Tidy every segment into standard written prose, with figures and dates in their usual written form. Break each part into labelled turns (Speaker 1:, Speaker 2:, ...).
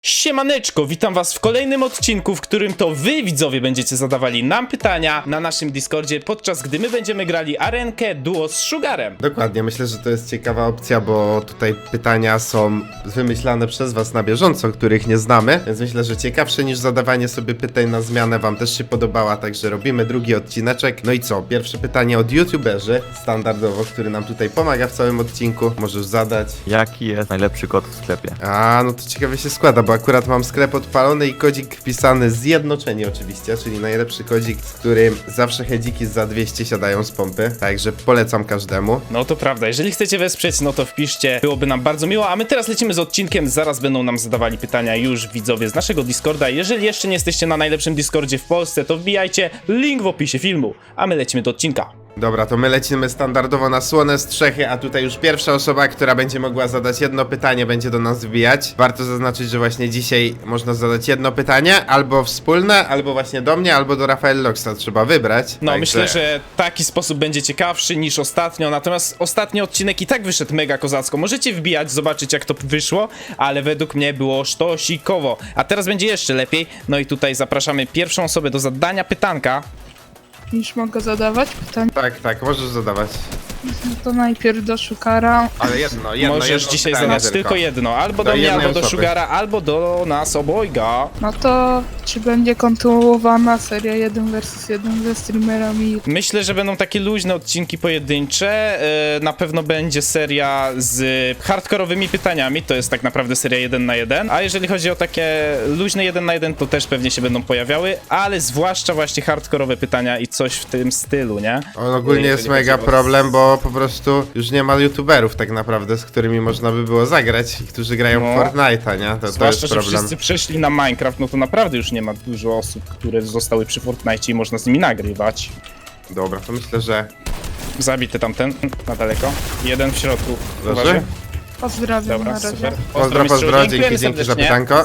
Speaker 1: Siemaneczko, witam was w kolejnym odcinku, w którym to wy, widzowie, będziecie zadawali nam pytania na naszym Discordzie, podczas gdy my będziemy grali arenkę duo z Sugarem.
Speaker 2: Dokładnie, myślę, że to jest ciekawa opcja, bo tutaj pytania są wymyślane przez was na bieżąco, których nie znamy, więc myślę, że ciekawsze niż zadawanie sobie pytań na zmianę wam też się podobała, także robimy drugi odcineczek. No i co, pierwsze pytanie od youtuberzy, standardowo, który nam tutaj pomaga w całym odcinku, możesz zadać.
Speaker 3: Jaki jest najlepszy kod w sklepie?
Speaker 2: No to ciekawie się składa, bo akurat mam sklep odpalony i kodzik wpisany zjednoczenie oczywiście, czyli najlepszy kodzik, z którym zawsze hedziki za 200 siadają z pompy, także polecam każdemu.
Speaker 1: No to prawda, jeżeli chcecie wesprzeć, no to wpiszcie, byłoby nam bardzo miło, a my teraz lecimy z odcinkiem, zaraz będą nam zadawali pytania już widzowie z naszego Discorda. Jeżeli jeszcze nie jesteście na najlepszym Discordzie w Polsce, to wbijajcie, link w opisie filmu, a my lecimy do odcinka.
Speaker 2: Dobra, to my lecimy standardowo na słone strzechy, a tutaj już pierwsza osoba, która będzie mogła zadać jedno pytanie, będzie do nas wbijać. Warto zaznaczyć, że właśnie dzisiaj można zadać jedno pytanie, albo wspólne, albo właśnie do mnie, albo do Rafael Loxa, trzeba wybrać.
Speaker 1: No,
Speaker 2: Także
Speaker 1: myślę, że taki sposób będzie ciekawszy niż ostatnio, natomiast ostatni odcinek i tak wyszedł mega kozacko. Możecie wbijać, zobaczyć jak to wyszło, ale według mnie było sztosikowo. A teraz będzie jeszcze lepiej, no i tutaj zapraszamy pierwszą osobę do zadania pytanka.
Speaker 4: Już mogę zadawać pytanie.
Speaker 2: Tak, możesz zadawać.
Speaker 4: No to najpierw do Sugara.
Speaker 2: Ale jedno
Speaker 1: Możesz dzisiaj
Speaker 2: pytanie
Speaker 1: zadać tylko jedno, albo
Speaker 2: Do
Speaker 1: do mnie,
Speaker 2: jednej
Speaker 1: albo do
Speaker 2: osoby.
Speaker 1: Sugara, albo do nas obojga.
Speaker 4: No to czy będzie kontynuowana seria 1 vs 1 ze streamerami?
Speaker 1: Myślę, że będą takie luźne odcinki pojedyncze, na pewno będzie seria z hardkorowymi pytaniami, to jest tak naprawdę seria 1 na 1, a jeżeli chodzi o takie luźne 1 na 1, to też pewnie się będą pojawiały, ale zwłaszcza właśnie hardkorowe pytania i coś w tym stylu, nie?
Speaker 2: On ogólnie jest
Speaker 1: Jeżeli
Speaker 2: mega
Speaker 1: chodzi o-
Speaker 2: problem, bo po prostu już nie ma youtuberów tak naprawdę, z którymi można by było zagrać i którzy grają w
Speaker 1: No.
Speaker 2: Fortnite'a, nie? To
Speaker 1: Zwłaszcza,
Speaker 2: jest
Speaker 1: że
Speaker 2: problem.
Speaker 1: wszyscy przeszli na Minecraft, no to naprawdę już nie ma dużo osób, które zostały przy Fortnite i można z nimi nagrywać.
Speaker 2: Dobra, to myślę, że...
Speaker 1: Zabity tamten, na daleko. Jeden w środku.
Speaker 2: Leży?
Speaker 1: Uważaj.
Speaker 4: Pozdrawiam
Speaker 1: Dobra,
Speaker 4: na razie.
Speaker 1: super.
Speaker 2: Pozdro,
Speaker 1: mistrzu,
Speaker 2: dzięki
Speaker 1: dziękujemy
Speaker 2: za
Speaker 1: serdecznie.
Speaker 2: pytanko.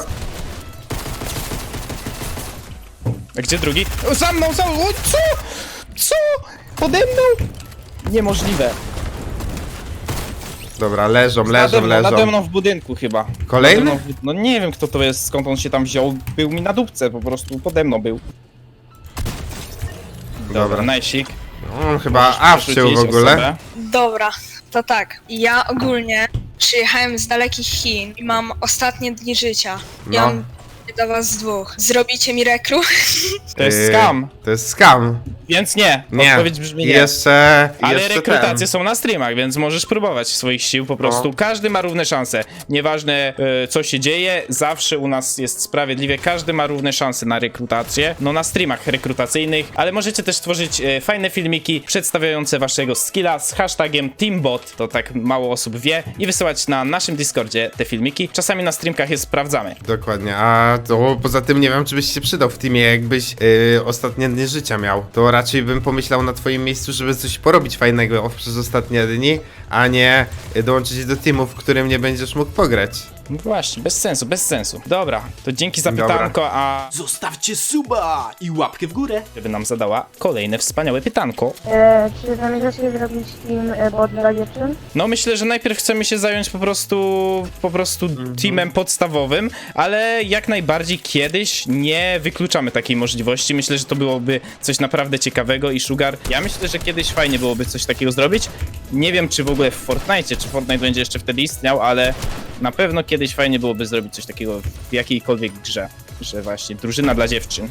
Speaker 1: A gdzie drugi? O, za mną! O, co? Co? Pode mną? Niemożliwe.
Speaker 2: Dobra, leżą.
Speaker 1: Nade mną w budynku chyba.
Speaker 2: Kolejny?
Speaker 1: Nade mną no nie wiem kto to jest, skąd on się tam wziął. Był mi na dupce, po prostu pode mną był.
Speaker 2: Dobra.
Speaker 1: Najsik.
Speaker 2: On chyba A wciął w ogóle.
Speaker 5: Dobra, to tak. Ja ogólnie przyjechałem z dalekich Chin i mam ostatnie dni życia. Ja
Speaker 2: No.
Speaker 5: mam do was dwóch. Zrobicie mi rekru?
Speaker 1: To jest scam,
Speaker 2: To jest scam.
Speaker 1: więc nie.
Speaker 2: Nie.
Speaker 1: Odpowiedź brzmi nie.
Speaker 2: Jeszcze
Speaker 1: Ale rekrutacje
Speaker 2: ten.
Speaker 1: są na streamach, więc możesz próbować swoich sił po prostu.
Speaker 2: No.
Speaker 1: Każdy ma równe szanse. Nieważne co się dzieje, zawsze u nas jest sprawiedliwie. Każdy ma równe szanse na rekrutację. No na streamach rekrutacyjnych, ale możecie też tworzyć fajne filmiki przedstawiające waszego skilla z hashtagiem TeamBot. To tak mało osób wie. I wysyłać na naszym Discordzie te filmiki. Czasami na streamkach je sprawdzamy.
Speaker 2: Dokładnie, a to poza tym nie wiem, czy byś się przydał w teamie, jakbyś ostatnie dni życia miał. To raczej bym pomyślał na twoim miejscu, żeby coś porobić fajnego przez ostatnie dni, a nie dołączyć do teamu, w którym nie będziesz mógł pograć.
Speaker 1: No właśnie, bez sensu, bez sensu. Dobra, to dzięki za
Speaker 2: Dobra.
Speaker 1: pytanko, a
Speaker 6: Zostawcie suba i łapkę w górę.
Speaker 1: żeby nam zadała kolejne wspaniałe pytanko.
Speaker 7: Czy zamierzacie zrobić team bot dla dziewczyn?
Speaker 1: No myślę, że najpierw chcemy się zająć po prostu teamem podstawowym, ale jak najbardziej kiedyś nie wykluczamy takiej możliwości. Myślę, że to byłoby coś naprawdę ciekawego i Sugar, ja myślę, że kiedyś fajnie byłoby coś takiego zrobić. Nie wiem, czy w ogóle w Fortnite, czy Fortnite będzie jeszcze wtedy istniał, ale na pewno kiedyś fajnie byłoby zrobić coś takiego w jakiejkolwiek grze, że właśnie drużyna dla dziewczyn.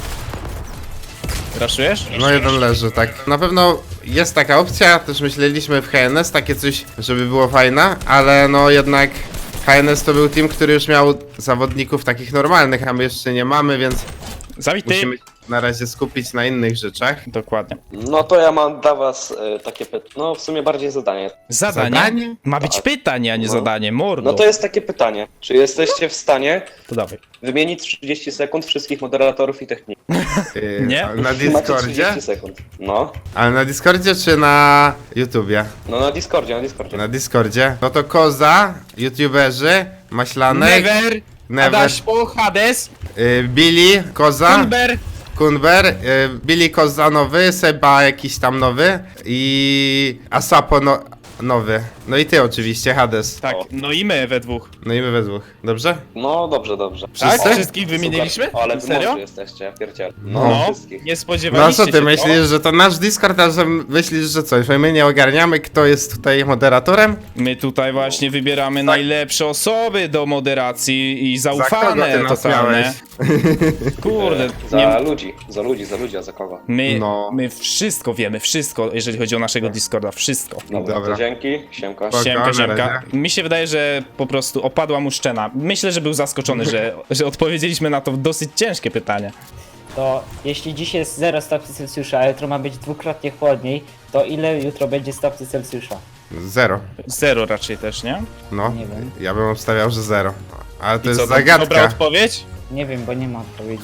Speaker 1: Raszujesz?
Speaker 2: No jeden leży, tak. Na pewno jest taka opcja, też myśleliśmy w HNS, takie coś, żeby było fajne, ale no jednak HNS to był team, który już miał zawodników takich normalnych, a my jeszcze nie mamy, więc
Speaker 1: Zabity.
Speaker 2: musimy się na razie skupić na innych rzeczach.
Speaker 1: Dokładnie.
Speaker 8: No to ja mam dla was takie pytanie, no w sumie bardziej zadanie.
Speaker 1: Zadanie?
Speaker 2: Zadanie?
Speaker 1: Ma być
Speaker 8: Tak.
Speaker 1: pytanie, a nie
Speaker 8: No.
Speaker 1: zadanie, mordo.
Speaker 8: No to jest takie pytanie, czy jesteście w stanie
Speaker 1: To dawaj.
Speaker 8: wymienić 30 sekund wszystkich moderatorów i techników?
Speaker 1: Nie?
Speaker 2: Ale na
Speaker 8: Macie
Speaker 2: Discordzie?
Speaker 8: 30 sekund. No,
Speaker 2: Ale na Discordzie czy na YouTubie?
Speaker 8: no na Discordzie, na Discordzie.
Speaker 2: Na Discordzie. No to Koza, YouTuberzy, Maślanek,
Speaker 1: Never, Adaśpo, Hades,
Speaker 2: Billy, Koza,
Speaker 1: Kunber,
Speaker 2: Kunber, Billy Koza nowy, Seba jakiś tam nowy i Asapo no... nowy. No i ty oczywiście, Hades.
Speaker 1: Tak,
Speaker 8: O.
Speaker 1: no i my we dwóch.
Speaker 2: No i my we dwóch. Dobrze?
Speaker 8: No dobrze, dobrze.
Speaker 1: Tak?
Speaker 2: Wszyscy?
Speaker 1: Wszystkich wymieniliśmy?
Speaker 8: Super. Ale wy
Speaker 1: Serio?
Speaker 8: mądrzy jesteście, ja pierdzielę.
Speaker 2: No.
Speaker 8: Wszystkich.
Speaker 1: Nie
Speaker 2: No
Speaker 1: spodziewaliście
Speaker 2: co
Speaker 1: się
Speaker 2: ty myślisz,
Speaker 1: to?
Speaker 2: że to nasz Discord, a że myślisz, że coś? Że my nie ogarniamy, kto jest tutaj moderatorem?
Speaker 1: My tutaj właśnie wybieramy najlepsze osoby do moderacji i
Speaker 2: Za kogo
Speaker 1: zaufane
Speaker 2: ty nas
Speaker 1: totalne.
Speaker 2: miałeś?
Speaker 1: Kurde,
Speaker 8: Za
Speaker 1: nie,
Speaker 8: ludzi, a za kogo?
Speaker 1: my wszystko wiemy, wszystko, jeżeli chodzi o naszego Discorda, wszystko.
Speaker 8: Dobra,
Speaker 2: Dobra.
Speaker 8: to dzięki, siemka.
Speaker 2: Spoko,
Speaker 1: Siemka,
Speaker 2: na
Speaker 1: siemka.
Speaker 2: razie.
Speaker 1: Mi się wydaje, że po prostu opadła mu szczena. Myślę, że był zaskoczony, że odpowiedzieliśmy na to dosyć ciężkie pytanie.
Speaker 9: To jeśli dziś jest 0 stopni Celsjusza, a jutro ma być dwukrotnie chłodniej, to ile jutro będzie stopni Celsjusza?
Speaker 2: 0.
Speaker 1: 0 raczej też, nie?
Speaker 2: No,
Speaker 9: Nie wiem.
Speaker 2: ja bym obstawiał, że 0. Ale to
Speaker 1: I
Speaker 2: jest
Speaker 1: co, dobra
Speaker 2: zagadka.
Speaker 1: odpowiedź?
Speaker 9: Nie wiem, bo nie ma odpowiedzi.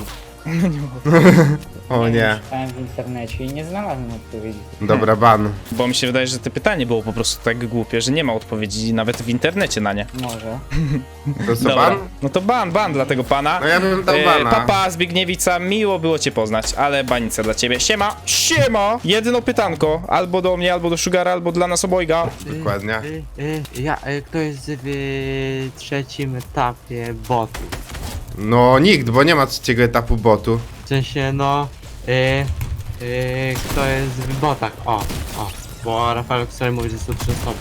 Speaker 2: O nie.
Speaker 9: Szukałem w internecie i nie znalazłem odpowiedzi.
Speaker 2: Dobra, ban.
Speaker 1: Bo mi się wydaje, że to pytanie było po prostu tak głupie, że nie ma odpowiedzi nawet w internecie na nie.
Speaker 9: Może.
Speaker 2: To co,
Speaker 1: Dobra.
Speaker 2: ban?
Speaker 1: No to ban dla tego pana.
Speaker 2: No ja bym dał bana.
Speaker 1: Papa Zbigniewica, miło było cię poznać, ale banica dla ciebie. Siema! Jedno pytanko, albo do mnie, albo do Sugara, albo dla nas obojga.
Speaker 2: Dokładnie.
Speaker 10: Kto jest w trzecim etapie botu?
Speaker 2: No nikt, bo nie ma trzeciego etapu botu.
Speaker 10: W sensie, no... kto jest w botach? Bo Rafael sobie mówi, że są 3 osoby.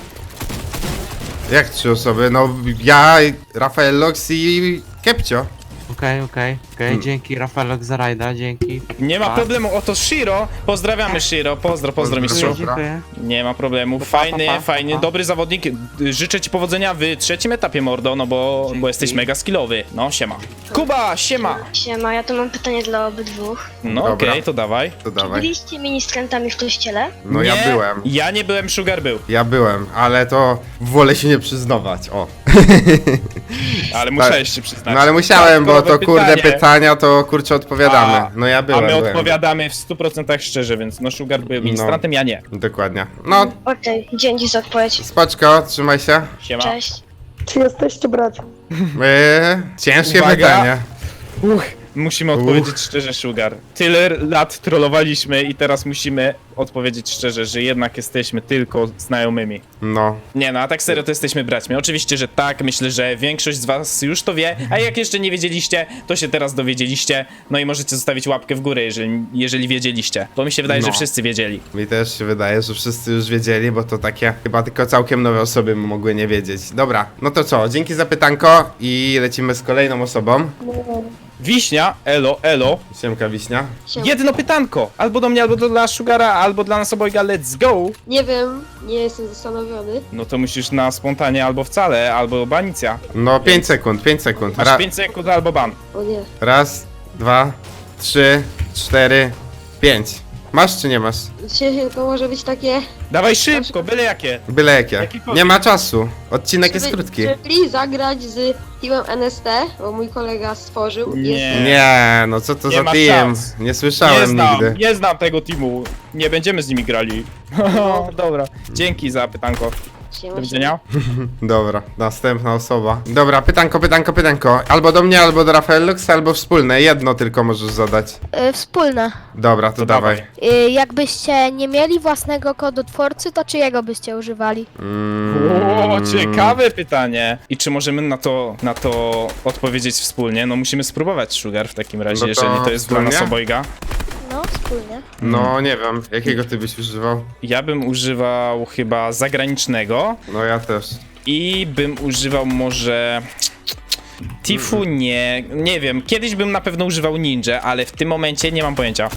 Speaker 2: Jak 3 osoby? No ja, Rafael Lox i Kepcio.
Speaker 10: Okej, dzięki Rafaelok za rajda, dzięki.
Speaker 1: Nie ma
Speaker 10: Pa.
Speaker 1: problemu, oto Shiro. Pozdrawiamy Shiro, pozdro mistrzu.
Speaker 10: Dziękuję.
Speaker 1: Nie ma problemu, fajny, dobry zawodnik. Życzę ci powodzenia w trzecim etapie, mordo, no bo jesteś mega skillowy. No, siema. Kuba, siema!
Speaker 7: Siema, ja tu mam pytanie dla obydwu.
Speaker 1: No
Speaker 2: Dobra.
Speaker 1: okej, to dawaj.
Speaker 2: To dawaj.
Speaker 7: Byliście ministrantami w kościele?
Speaker 2: No ja
Speaker 1: Nie,
Speaker 2: byłem.
Speaker 1: Ja nie byłem, Sugar był.
Speaker 2: Ja byłem, ale to wolę się nie przyznawać. O.
Speaker 1: Ale musiałeś się przyznać.
Speaker 2: No ale musiałem, bo to
Speaker 1: Dodatkowe
Speaker 2: kurde
Speaker 1: pytanie.
Speaker 2: pytania to kurczę odpowiadamy. No ja
Speaker 1: A
Speaker 2: byłem.
Speaker 1: my
Speaker 2: byłem.
Speaker 1: odpowiadamy w 100% szczerze, więc no Sugar był ministrantem, ja nie.
Speaker 2: Dokładnie. No,
Speaker 7: Okej, dzięki za odpowiedź.
Speaker 2: spoczko, trzymaj się.
Speaker 1: Siema.
Speaker 7: Cześć.
Speaker 11: Czy jesteście bracia?
Speaker 2: Ciężkie
Speaker 1: Uwaga.
Speaker 2: pytanie.
Speaker 1: Musimy odpowiedzieć szczerze, Sugar. Tyle lat trollowaliśmy i teraz musimy odpowiedzieć szczerze, że jednak jesteśmy tylko znajomymi.
Speaker 2: No.
Speaker 1: Nie no, a tak serio to jesteśmy braćmi. Oczywiście, że tak, myślę, że większość z was już to wie, a jak jeszcze nie wiedzieliście, to się teraz dowiedzieliście. No i możecie zostawić łapkę w górę, jeżeli wiedzieliście. Bo mi się wydaje,
Speaker 2: No.
Speaker 1: że wszyscy wiedzieli.
Speaker 2: Mi też się wydaje, że wszyscy już wiedzieli, bo to takie chyba tylko całkiem nowe osoby mogły nie wiedzieć. Dobra, no to co, dzięki za pytanko i lecimy z kolejną osobą.
Speaker 1: Wiśnia, elo.
Speaker 2: Siemka Wiśnia.
Speaker 1: Jedno pytanko! Albo do mnie, albo dla Sugara, albo dla nas obojga, let's go!
Speaker 7: Nie wiem, nie jestem zastanowiony.
Speaker 1: No to musisz na spontanie albo wcale, albo banicja.
Speaker 2: No 5 sekund, 5 sekund.
Speaker 1: Masz 5 sekund albo ban.
Speaker 7: O nie.
Speaker 2: Raz, 2, 3, 4, 5. Masz czy nie masz?
Speaker 7: To może być takie...
Speaker 1: Dawaj szybko, byle jakie.
Speaker 2: Byle jakie.
Speaker 1: Jakikolwiek.
Speaker 2: Nie ma czasu. Odcinek jest krótki.
Speaker 7: Czyli zagrać z teamem NST, bo mój kolega stworzył.
Speaker 1: Nie.
Speaker 2: Nie, no co to
Speaker 1: Nie
Speaker 2: za
Speaker 1: ma
Speaker 2: team?
Speaker 1: szans.
Speaker 2: Nie słyszałem nigdy.
Speaker 1: Nie znam tego teamu. Nie będziemy z nimi grali. Dobra, dzięki za pytanko. Do widzenia.
Speaker 2: Dobra, następna osoba. Dobra, pytanko. Albo do mnie, albo do Rafael Lux, albo wspólne. Jedno tylko możesz zadać.
Speaker 7: Wspólne.
Speaker 2: Dobra, to dawaj.
Speaker 7: Jakbyście nie mieli własnego kodotwórcy, to czyjego byście używali?
Speaker 1: O, ciekawe pytanie. I czy możemy na to odpowiedzieć wspólnie? No musimy spróbować, Sugar, w takim razie,
Speaker 2: No to
Speaker 1: jeżeli to jest dla nas
Speaker 2: wspólnie?
Speaker 1: obojga.
Speaker 7: No, wspólnie.
Speaker 2: No, nie wiem. Jakiego ty byś używał?
Speaker 1: Ja bym używał chyba zagranicznego
Speaker 2: No ja też.
Speaker 1: i bym używał może... Tifu nie wiem, kiedyś bym na pewno używał ninja, ale w tym momencie nie mam pojęcia.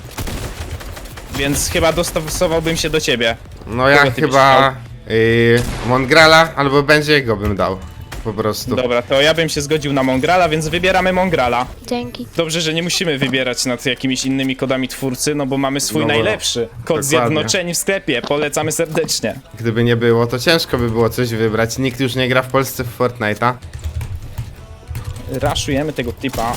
Speaker 1: Więc chyba dostosowałbym się do ciebie.
Speaker 2: No ja
Speaker 1: Kogo ty byś
Speaker 2: chyba... Mongrala albo Benjiego bym dał. Po prostu.
Speaker 1: Dobra, to ja bym się zgodził na Mongrala, więc wybieramy Mongrala.
Speaker 7: Dzięki.
Speaker 1: Dobrze, że nie musimy wybierać nad jakimiś innymi kodami twórcy, no bo mamy swój
Speaker 2: No bo-
Speaker 1: najlepszy. Kod
Speaker 2: dokładnie.
Speaker 1: zjednoczeni w sklepie, polecamy serdecznie.
Speaker 2: Gdyby nie było, to ciężko by było coś wybrać. Nikt już nie gra w Polsce w Fortnite'a.
Speaker 1: Raszujemy tego typa.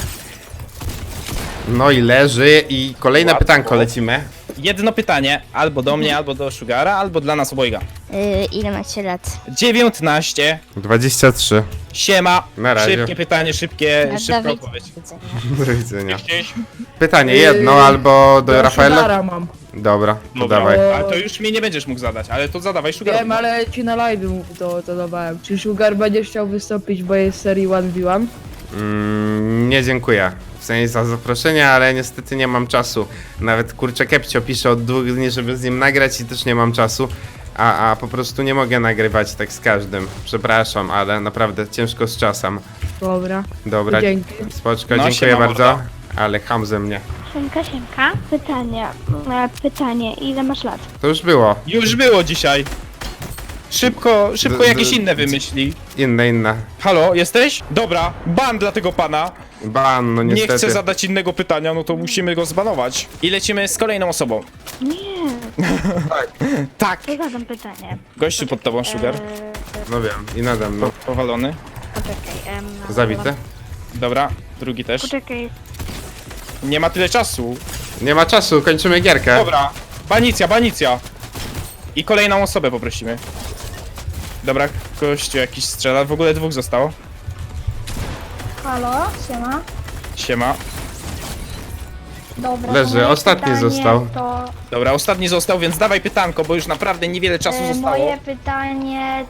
Speaker 2: No i leży i kolejne
Speaker 1: Łatwo.
Speaker 2: pytanko lecimy.
Speaker 1: Jedno pytanie, albo do mnie, albo do Sugara, albo dla nas obojga.
Speaker 7: Ile macie lat?
Speaker 1: 19.
Speaker 2: 23.
Speaker 1: Siema.
Speaker 2: Na razie.
Speaker 1: Szybkie pytanie, szybka odpowiedź.
Speaker 2: Do widzenia. Pytanie jedno albo do Rafaela.
Speaker 11: mam.
Speaker 2: Dobra, to dawaj.
Speaker 1: A to już mi nie będziesz mógł zadać, ale to zadawaj Sugar.
Speaker 4: Wiem, ale ci na live to dawałem. Czy Sugar będzie chciał wystąpić w mojej serii 1v1?
Speaker 2: Nie dziękuję. W sensie za zaproszenie, ale niestety nie mam czasu. Nawet kurczę Kepcio pisze od 2 dni, żeby z nim nagrać i też nie mam czasu. A po prostu nie mogę nagrywać tak z każdym. Przepraszam, ale naprawdę ciężko z czasem.
Speaker 4: Dobra.
Speaker 2: Dobra,
Speaker 4: Dzięki.
Speaker 2: spoczko,
Speaker 1: No,
Speaker 2: dziękuję
Speaker 1: siema,
Speaker 2: bardzo.
Speaker 1: mordo.
Speaker 2: Ale ham ze mnie.
Speaker 7: Siemka. Pytanie, ile masz lat?
Speaker 2: To już było.
Speaker 1: Już było dzisiaj. Szybko jakieś inne wymyśli.
Speaker 2: Inne.
Speaker 1: Halo, jesteś? Dobra, ban dla tego pana.
Speaker 2: Ban, no
Speaker 1: Nie
Speaker 2: niestety.
Speaker 1: chce zadać innego pytania, no to musimy go zbanować. I lecimy z kolejną osobą.
Speaker 7: Nie,
Speaker 1: Tak.
Speaker 7: to zadam pytanie.
Speaker 1: Gościu pod tobą, Sugar.
Speaker 2: No wiem, i nade mną.
Speaker 1: Powalony.
Speaker 7: Poczekaj,
Speaker 2: Zabity.
Speaker 1: Dobra, drugi też.
Speaker 7: Poczekaj.
Speaker 1: Nie ma tyle czasu.
Speaker 2: Nie ma czasu, kończymy gierkę.
Speaker 1: Dobra, banicja. I kolejną osobę poprosimy. Dobra, gościu jakiś strzela. W ogóle 2 zostało.
Speaker 7: Halo, siema.
Speaker 1: Siema.
Speaker 7: Dobra,
Speaker 2: Leży,
Speaker 7: moje
Speaker 2: ostatni
Speaker 7: pytanie
Speaker 2: został.
Speaker 7: To,
Speaker 1: Dobra, ostatni został, więc dawaj pytanko, bo już naprawdę niewiele czasu zostało.
Speaker 7: moje pytanie,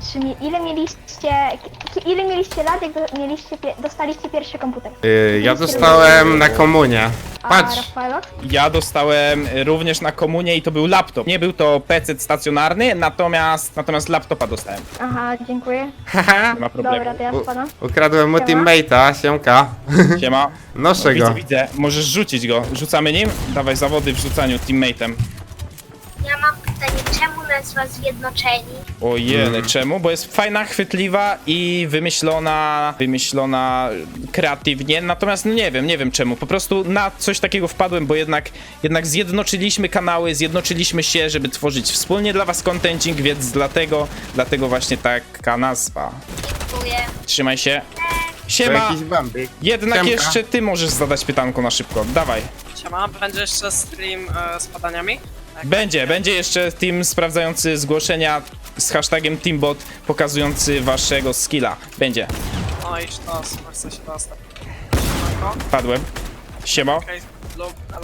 Speaker 7: ile mieliście lat, jak dostaliście pierwszy komputer?
Speaker 2: Ja dostałem na komunie.
Speaker 7: A
Speaker 2: Patrz.
Speaker 7: Rafaelot?
Speaker 1: Ja dostałem również na komunię i to był laptop. Nie był to PC stacjonarny, natomiast laptopa dostałem.
Speaker 7: Aha, dziękuję.
Speaker 2: Haha.
Speaker 1: Nie ma problemu.
Speaker 7: Dobra, to ja spadam.
Speaker 2: Ukradłem mu
Speaker 7: Siema.
Speaker 2: teammate'a, siemka.
Speaker 1: Siema.
Speaker 2: Noszę go.
Speaker 1: Widzę. Możesz rzucić go. Rzucamy nim? Dawaj zawody w rzucaniu teammate'em.
Speaker 7: Ja mam pytanie, czemu nazwa Zjednoczeni?
Speaker 1: Ojej, czemu? Bo jest fajna, chwytliwa i wymyślona kreatywnie, natomiast no nie wiem czemu, po prostu na coś takiego wpadłem, bo jednak zjednoczyliśmy kanały, zjednoczyliśmy się, żeby tworzyć wspólnie dla was contenting, więc dlatego właśnie taka nazwa.
Speaker 7: Dziękuję.
Speaker 1: Trzymaj się.
Speaker 2: To
Speaker 1: Siema!
Speaker 2: jakiś bambik.
Speaker 1: Jednak
Speaker 2: Siemka.
Speaker 1: jeszcze ty możesz zadać pytanko na szybko, dawaj.
Speaker 6: Siema, będzie jeszcze stream z badaniami?
Speaker 1: Będzie jeszcze team sprawdzający zgłoszenia z hashtagiem Teambot, pokazujący waszego skilla. Będzie.
Speaker 6: No i to, super, chcę się dostać.
Speaker 1: Padłem. Siema.
Speaker 6: Okej, lub, elo.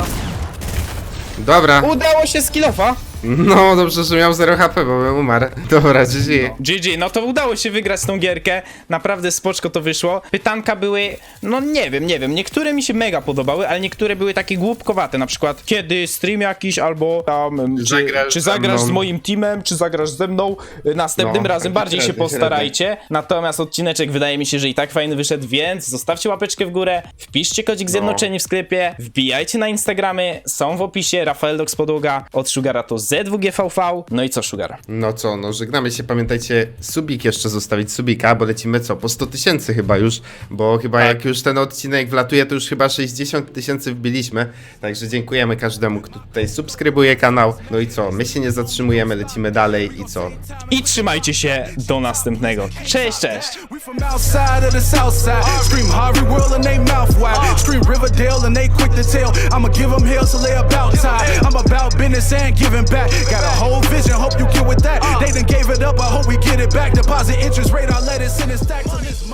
Speaker 2: Dobra.
Speaker 1: Udało się skillofa.
Speaker 2: No dobrze, że miał 0 HP, bo bym umarł. Dobra, GG.
Speaker 1: GG, no to udało się wygrać tą gierkę. Naprawdę spoczko to wyszło. Pytanka były, no nie wiem. Niektóre mi się mega podobały, ale niektóre były takie głupkowate. Na przykład, kiedy stream jakiś, albo tam, czy zagrasz z moim teamem, czy zagrasz ze mną. Następnym
Speaker 2: No,
Speaker 1: razem bardziej się
Speaker 2: średnio.
Speaker 1: postarajcie. Natomiast odcineczek wydaje mi się, że i tak fajny wyszedł, więc zostawcie łapeczkę w górę, wpiszcie kodzik Zjednoczeni w sklepie, wbijajcie na Instagramy, są w opisie, Rafaeldox Podłoga, od Sugara to Z2GVV. No i co, Sugar?
Speaker 2: No co, no żegnamy się, pamiętajcie subik jeszcze zostawić, subika, bo lecimy co, po 100 000 chyba już, bo chyba jak już ten odcinek wlatuje, to już chyba 60 000 wbiliśmy, także dziękujemy każdemu, kto tutaj subskrybuje kanał, no i co, my się nie zatrzymujemy, lecimy dalej i co?
Speaker 1: I trzymajcie się do następnego. Cześć!
Speaker 6: We from outside of the south side. Scream Harvey World and they mouth wide. Scream Riverdale and they quick to tell. I'ma give them hell till they about time. I'm about business and giving back. Got a whole vision, hope you get with that. They done gave it up, I hope we get it back. Deposit interest rate, I let it sit and stack till this